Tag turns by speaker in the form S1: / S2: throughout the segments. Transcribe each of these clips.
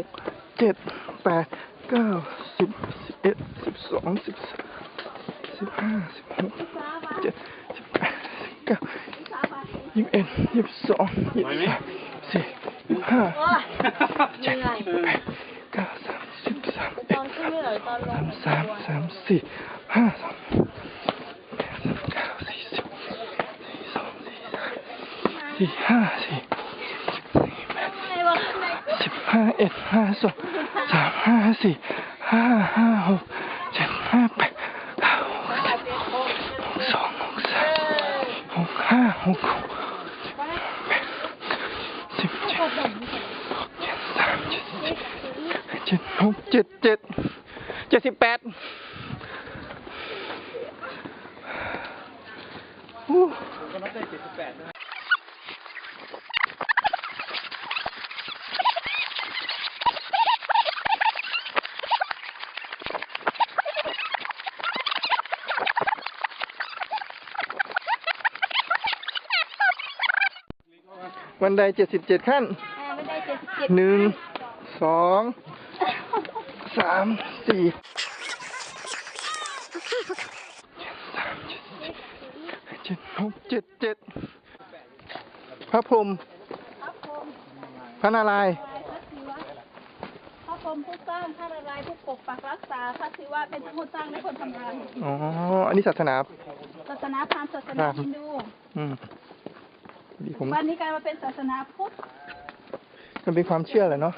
S1: กเจ็ดแปดเก้าสิบสิบเอ็ด12 13 15 16 17 18 19 21 22 23 24
S2: โอ้ย
S1: 25
S2: เหนื่อย
S1: 26 30
S2: ตอนขึ้นไม่เหรอตอนลง
S1: 33 34 35 39 40 42 43 45
S2: ไงวะข้างใน
S1: 15 1 52 3 54 5 56 7 58 78บันได77 ขั้น
S2: ไม่ได้77
S1: 1 2 3 4 7 6 7 7พระพรหม
S2: ครับผม
S1: พระนารายณ์
S2: พระศิวะพระพรหมผู้สร้างพระนารายณ์ผู้ปกปักรักษาพระศิวะเป็นทั้งคนสร้างและคนทำงาน
S1: อ๋อ อันนี้ศาสนา
S2: ศาสนาพราหมณ์ศาสนาฮินดู
S1: อืมดีผม
S2: วันนี้กลายมาเป็นศาสนาพุทธ
S1: มันเป็นความเชื่อแหละเนาะ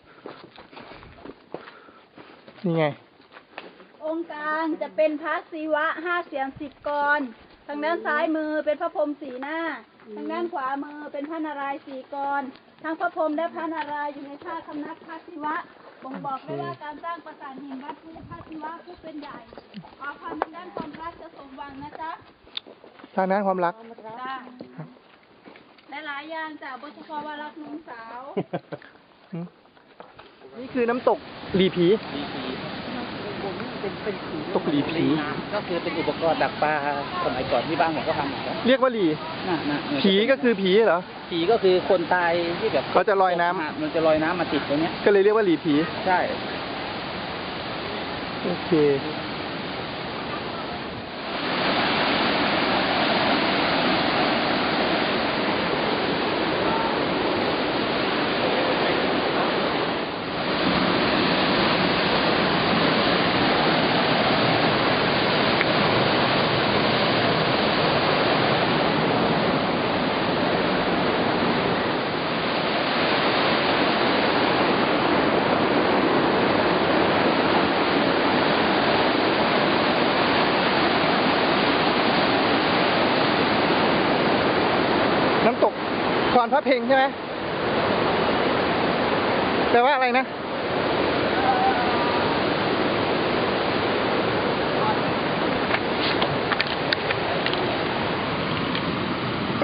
S1: นี่ไง
S2: องค์กลางจะเป็นพระศิวะ5 เสียง10 กร ทางด้านซ้ายมือเป็นพระพรหม4 หน้า ทางด้านขวามือเป็นพระนารายณ์4 กร ทั้งพระพรหมและพระนารายณ์อยู่ในท่าคำนับพระศิวะบ่งบอกได้ว่าการสร้างปราสาทหินวัดภูพระศิวะผู้เป็นใหญ่ขอพรทางด้านความรักจะสมหวังนะจ๊ะ
S1: ทางนั้นความรัก
S2: จ้าและหลายอย่างจากบทเฉพาะว่ารักหนุ่มสาว
S1: นี่คือน้ำตกหลีผี ตกหลีผี
S3: ก็คือเป็นอุปกรณ์ดักปลาสมัยก่อนที่บ้านผมก็ทำเหมือนกัน
S1: เรียกว่าหลี
S3: น่ะ
S1: ผีก็คือผีเหรอ
S3: ผีก็คือคนตายที่แบบ
S1: เขาจะลอยน้ำ
S3: มันจะลอยน้ำมาติดตรงเนี้ย
S1: ก็เลยเรียกว่าหลีผี
S3: ใช่
S1: โอเครพระเพ็งใช่ไหมแปลว่าอะไรนะ